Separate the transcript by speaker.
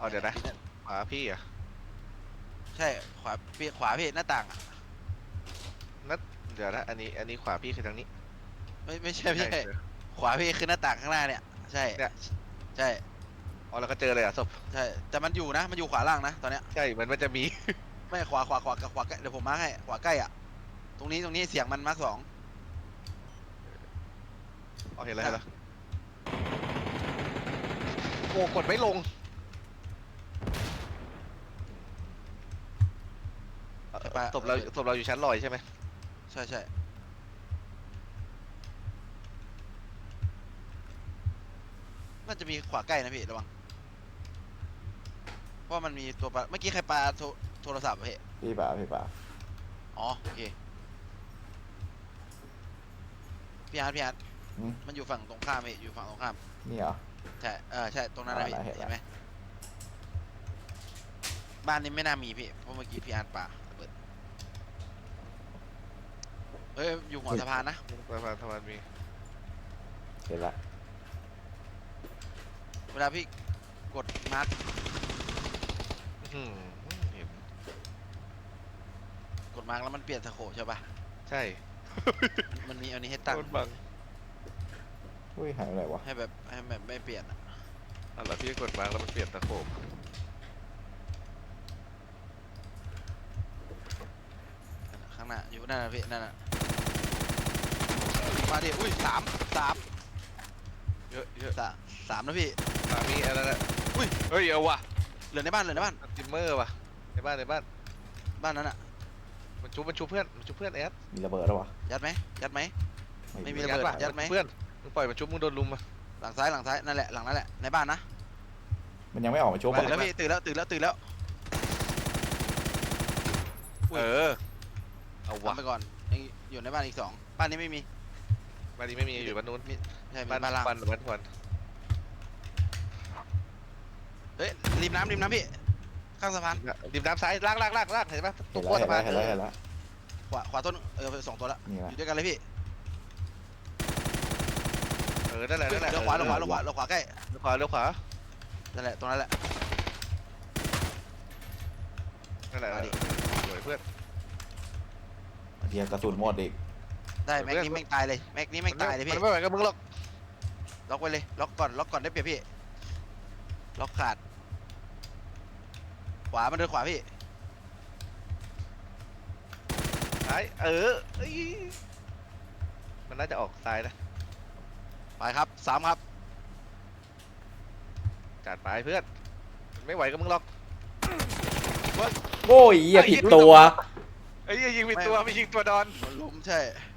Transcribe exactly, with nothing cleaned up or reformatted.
Speaker 1: เอาเดี๋ยวนะขวาพี่อ่ะ
Speaker 2: ใช่ขวาพี่ขวาพี่หน้าต่างอ่ะ
Speaker 1: นัดเดี๋ยวนะอันนี้อันนี้ขวาพี่คือทางนี้
Speaker 2: ไม่ไม่ใช่ไม่ใช่
Speaker 1: เดี๋ยว
Speaker 2: ขวาพี่คือหน้าต่างข้างหน้าเนี่ยใช่
Speaker 1: เนี่ย
Speaker 2: ใช่
Speaker 1: อ๋อเราก็เจอเลยอ่ะศพ
Speaker 2: ใช่แต่มันอยู่นะมันอยู่ขวาล่างนะตอนเนี้ย
Speaker 1: ใช่มันมันจะมี
Speaker 2: ไม่ขวาขวาขวาขวาใกล้เดี๋ยวผมมาร์คให้ขวาใกล้อ่ะตรงนี้ตรงนี้เสียงมันมาร์คสอง
Speaker 1: อ๋อเห็นแล้วเห็นแล้วโอ้กดไม่ลงเอ่อศพเราศพเราอยู่ชั้นลอยใช่ไหม
Speaker 2: ใช่ใช่น่าจะมีขวาใกล้นะพี่ระวังเพราะมันมีตัวปลาเมื่อกี้ใครปลาโทรโทรศัพท์อะพี่
Speaker 3: พี่ป่าพี่ป่า
Speaker 2: อ๋อโอเคพี่อาร์ตพี่อาร์ต
Speaker 3: อืม
Speaker 2: มันอยู่ฝั่งตรงข้ามพี่อยู่ฝั่งตรงข้าม
Speaker 3: นี่เหรอ
Speaker 2: ใช่เออใช่ตรงนั้นนะพี่
Speaker 3: อ่าเห็นละ
Speaker 2: เห็นไหมบ้านนี้ไม่น่ามีพี่เพราะเมื่อกี้พี่อาร์ตปลาระเบิดเอ้ยอยู่หัวสะพานนะ
Speaker 1: สะพานสะพานมี
Speaker 3: เห็นละ
Speaker 2: เวลาพี่กดมาร์ค
Speaker 1: อื้อหือเห็น
Speaker 2: กดมาร์คแล้วมันเปลี่ยนสโคปใช่ปะ
Speaker 1: ใช่
Speaker 2: มันมันมีอันนี้ให้ตั้ง
Speaker 1: โคตรบัง
Speaker 3: อุ้ยหายไปไหนวะ
Speaker 2: ให้แบบให้แบบไม่เปลี่ยนอะ
Speaker 1: อ่ะแล้วพี่กดมาแล้วมันเปลี่ยนตะโขบ
Speaker 2: ข้างหน้าอยู่นั่นนะพี่นั่นน่ะมาดิอุ้ยสามสาม
Speaker 1: เยอะเยอะ
Speaker 2: สามสามนะพี่
Speaker 1: สามีอะไรนะ
Speaker 2: อุ้ย
Speaker 1: เฮ้ยเอาว่ะ
Speaker 2: เหลือในบ้านเหลือในบ้าน
Speaker 1: สติมเมอร์ว่ะในบ้านในบ้าน
Speaker 2: บ้านนั้นอะ
Speaker 1: มันชุบมันชุบเพื่อนมันชุบเพื่อนแอด
Speaker 3: มีระเบิดแล้ววะ
Speaker 2: ยัดไหมยัดไหม ไม่มี
Speaker 3: มี
Speaker 2: ระเบิด
Speaker 1: ว่ะ
Speaker 2: ยัดไหม
Speaker 1: นชุบเพื่อนมึงปล่อยมันชุบมึงโดนลุมอ่ะ
Speaker 2: หลังซ้ายหลังซ้ายนั่นแหละหลังนั่นแหละในบ้านนะ
Speaker 3: มันยังไม่ออกมาชุบ
Speaker 2: ตื่น
Speaker 3: อ่ะ
Speaker 2: แล้วพี่ตื่นแล้วตื่นแล้วตื่นแล้ว อุ้ย
Speaker 1: เออเอาว่ะ
Speaker 2: ทำไปก่อนยังอยู่ในบ้านอีกสองบ้านนี้ไม่มี
Speaker 1: บ้านนี้ไม่มีอยู่บ้านนู้น
Speaker 2: ใช่มี
Speaker 1: บ้าน
Speaker 2: บ้านล่าง
Speaker 1: บ้านบ้านควัน
Speaker 2: เฮ้ยริมน้ำริมน้ำพี่ข้างสะพาน
Speaker 1: ดิมน้ำซ้ายลากลากลากลากเห็นปะต
Speaker 3: เห็
Speaker 1: ร
Speaker 3: น
Speaker 1: ง
Speaker 3: แล้ว
Speaker 1: ขั้ว
Speaker 3: เห็
Speaker 1: สะ
Speaker 3: นแล้
Speaker 1: พาน
Speaker 3: วเห็นแล้วเห็นแล้ว
Speaker 2: ขวาขวาต้นเออสองตัวละ
Speaker 3: นี่
Speaker 2: อ
Speaker 3: ละ
Speaker 2: ยู่ด้วยกันเลยพี่
Speaker 1: เออนั่นแหละนั่นแหละ
Speaker 2: เลี้ยวขวาเลี้ยวขวาเลี้ยวขวาเลี้ยวขวาใกล้
Speaker 1: เลี้ยวขวาเลี้ยวขวา
Speaker 2: นั่นแหละตรงนั้นแหละ
Speaker 1: นั่นแหละ
Speaker 2: มาดิ
Speaker 1: สวยเพื่อน
Speaker 3: เดียวกระสุนหมดอีก
Speaker 2: ได้แม็กนี้แม่งตายเลยแม็กนี้แม่งตายเลยพี่
Speaker 1: มันไม่ไหวกับมึงหรอก
Speaker 2: ล็อกไว้เลยล็อกก่อนล็อกก่อนได้เปรียบพี่ล็อกขาดขวามันเดินขวาพี่
Speaker 1: ซ้ายเออเอ้ยมันน่าจะออกซ้ายนะ
Speaker 2: ไปครับสามครับ
Speaker 1: จัดไปเพื่อนมันไม่ไหวกับมึงหรอก
Speaker 3: โอ้ยอย่าผิดตัว
Speaker 1: เอ้ยยิงผิดตัวไม่ยิงตัวดอน
Speaker 2: มันล้มใช่